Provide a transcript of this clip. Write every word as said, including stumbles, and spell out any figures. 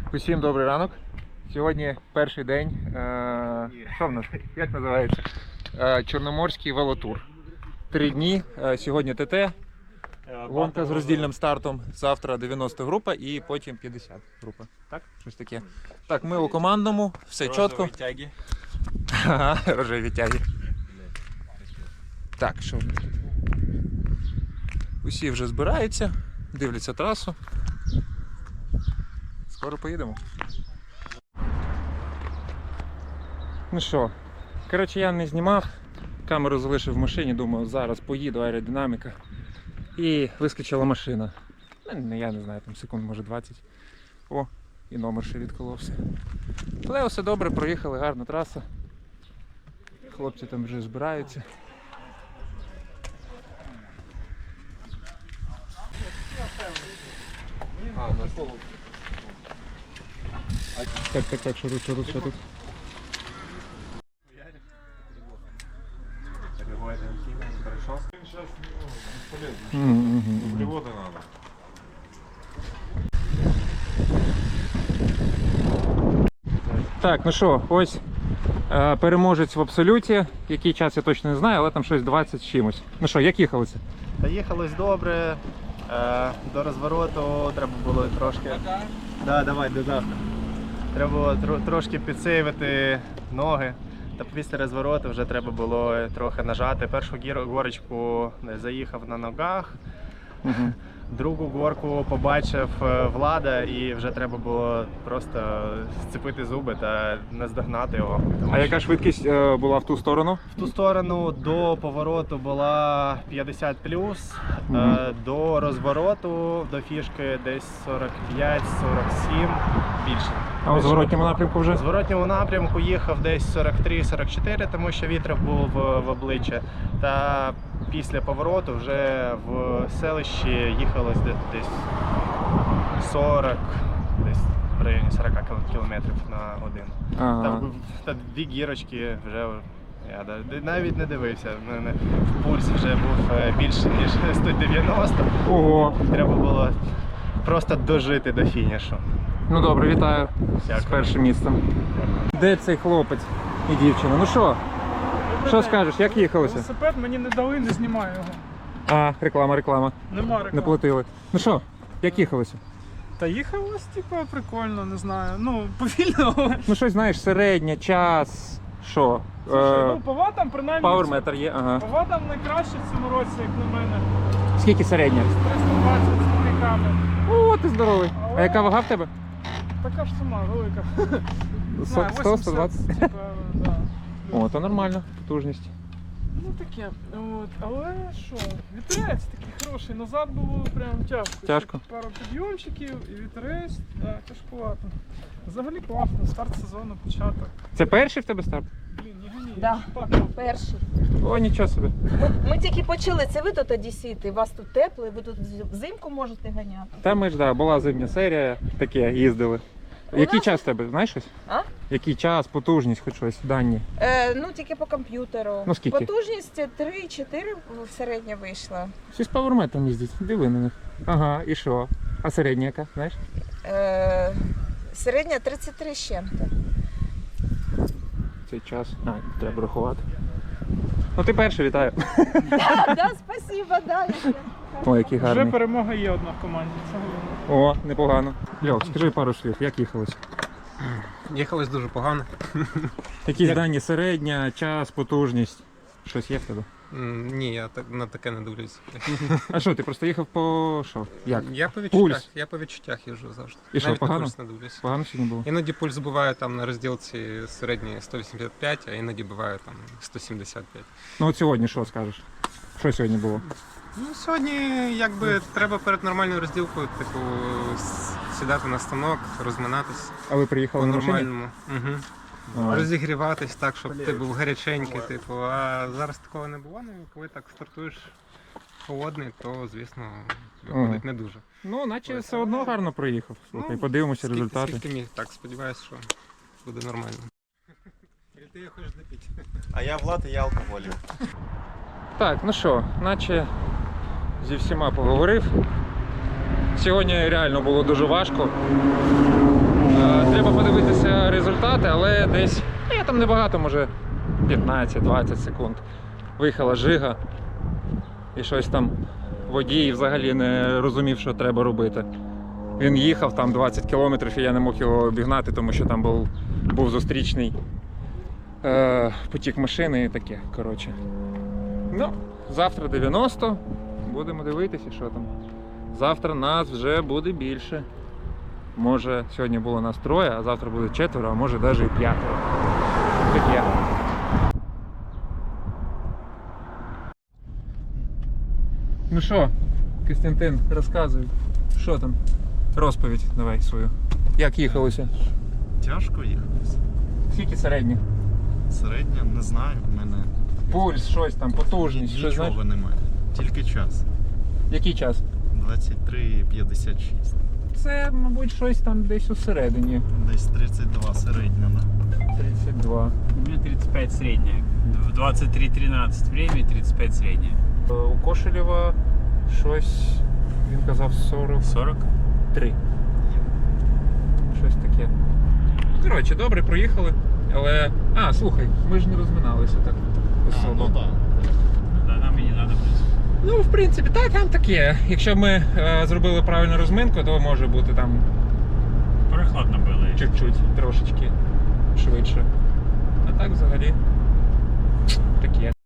Усім добрий ранок. Сьогодні перший день, е, що в нас, як називається? Е, Чорноморський велотур. Три дні, е, сьогодні ТТ, гонка з роздільним стартом, завтра дев'яносто група і потім п'ятдесят група. Так? Щось таке. Так, ми у командному, все чітко. Тяги. Ага, рожеві тяги. Так, що? Усі вже збираються, дивляться трасу. Скоро поїдемо. Ну що, коротше, я не знімав, камеру залишив в машині, думав, зараз поїду, аеродинаміка. І вискочила машина. Ну, я не знаю, там секунд, може двадцять. О, і номер ще відколовся. Але все добре, проїхали, гарна траса. Хлопці там вже збираються. А, на колу. Так, так, так, що тут, що тут, що тут? Углеводы надо. Так, ну що, ось е, переможець в абсолюті. Який час я точно не знаю, але там щось двадцять з чимось. Ну що, як їхалося? Та їхалось добре. Е, до розвороту треба було трошки. Да, давай, до завтра. Треба було тр трошки підсейвити ноги. Та після розвороту вже треба було трохи нажати. Першу гір горочку заїхав на ногах. Угу. Другу горку побачив Влада і вже треба було просто зцепити зуби та наздогнати його. Тому А що яка швидкість е, була в ту сторону? в ту сторону до повороту була п'ятдесят плюс, Угу. е, до розвороту, до фішки десь сорок п'ять сорок сім, більше. А у зворотньому напрямку вже? В зворотньому напрямку їхав десь сорок три сорок чотири, тому що вітер був в, в обличчя. Та після повороту вже в селищі їхалось десь, десь сорок, десь в районі сорок кілометрів на годину. Ага. Та, та дві гірочки вже я навіть не дивився. У мене пульс вже був більше ніж сто дев'яносто. Ого. Треба було просто дожити до фінішу. Ну добре, вітаю Дякую. з першим місцем. Де цей хлопець і дівчина? Ну що? Що скажеш, як їхалося? Велосипед мені не дали, не знімаю його. А, реклама, реклама. Нема реклами. Не платили. Ну що, як їхалося? Та їхалось, типу, прикольно, не знаю. Ну, повільно, але... Ну щось, знаєш, середнє, час, що? Слушай, Е, ну, по ватам, принаймні... Пауерметр є, ага. По ватам найкраще в цьому році, як на мене. Скільки середня? триста двадцять з копійками. О, ти здоровий. А Але- яка вага в тебе? Така ж сума, велика. Не знаю, сто сто двадцять? вісімдесят, типу, да. О, то нормально, потужність. Ну таке, от, але що, вітерець такий хороший, назад було прям тяжко. Тяжко? Ще пару підйомчиків і вітерець, да, тяжкувато. Взагалі класно, старт сезону, початок. Це перший в тебе старт? Блін, не гані, Да. я ж так був. Перший. О, нічого собі. Ми тільки почали, це ви тут тоді сіти, у вас тут тепло, і ви тут взимку можете ганяти. Та ми ж, да, була зимня серія, таке, їздили. У Який нас- час в тебе, знаєш щось? А? Який час, потужність, хоч щось, дані? Е, ну тільки по комп'ютеру. Ну, скільки? Потужність три-чотири в середня вийшла. Всі з пауерметром їздять, диви на них. Ага, і що? А середня яка, знаєш? Е, середня тридцять три з чим-то. Цей час. А, треба рахувати. Ну ти перший, вітаю. Так, да, спасибо, да. я- О, який Вже гарний. перемога є одна в команді, це головне. О, непогано. Льох, скажи пару слів, як їхалось? Їхалось дуже погано. Якісь Як- дані середня, час, потужність. Щось є в тебе? М, Ні, я так на таке не дивлюсь. А що, ти просто їхав по що? Як? Я по відчуттях, Пульс. я по відчуттях їжджу завжди. І що, Навіть на погано? пульс не дивлюсь. Погано сьогодні було? Іноді пульс буває там на розділці середній сто вісімдесят п'ять, а іноді буває там сто сімдесят п'ять. Ну от сьогодні що скажеш? Що сьогодні було? Ну, сьогодні якби треба перед нормальною розділкою, типу, с- сідати на станок, розминатись А ви приїхали на машині? по-нормальному. Угу. А. Розігріватись так, щоб ти був гаряченький, типу, а зараз такого не буває, ну, коли так стартуєш холодний, то звісно виходить не дуже. Ну, наче все одно гарно проїхав. Слухай, Ну, подивимося скільки- результати. Скільки міг, так, сподіваюся, що буде нормально. Или ти її хочеш допити? А я Влад, і я алкоголік. Так, ну що, наче зі всіма поговорив. Сьогодні реально було дуже важко. Е, Треба подивитися результати, але десь, ну, я там небагато, може п'ятнадцять-двадцять секунд. Виїхала жига. І щось там водій взагалі не розумів, що треба робити. Він їхав там двадцять кілометрів, і я не мог його обігнати, тому що там був, був зустрічний е, потік машини і таке. Коротше. Ну, завтра дев'яносто. Будемо дивитися, що там. Завтра нас вже буде більше. Може, сьогодні було нас троє, а завтра буде четверо, а може навіть і п'ятеро. Таке. Ну що, Костянтин, розказуй, що там? Розповідь давай свою. Як їхалося? Тяжко їхалося. Скільки середніх? Середня, не знаю, в мене Пульс, щось там, потужність, щось знаєш? нічого немає. Тільки час. Який час? двадцять три п'ятдесят шість. Це, мабуть, щось там десь усередині. Десь тридцять два середня, да? тридцять два. У меня тридцать пять средняя. В двадцать три тринадцать время и тридцать пять средняя. Е, У Кошелєва щось, він казав сорок сорок? три. Щось таке. Ну, коротше, добре, проїхали. Але. А, слухай, ми ж не розминалися так особо. ну да. Да, нам и не надо. в принципе. Ну, в принципі, так, там таке. Якщо б ми е, зробили правильну розминку, то може бути там Прохладно было. чуть-чуть, трошечки швидше. А так взагалі таке.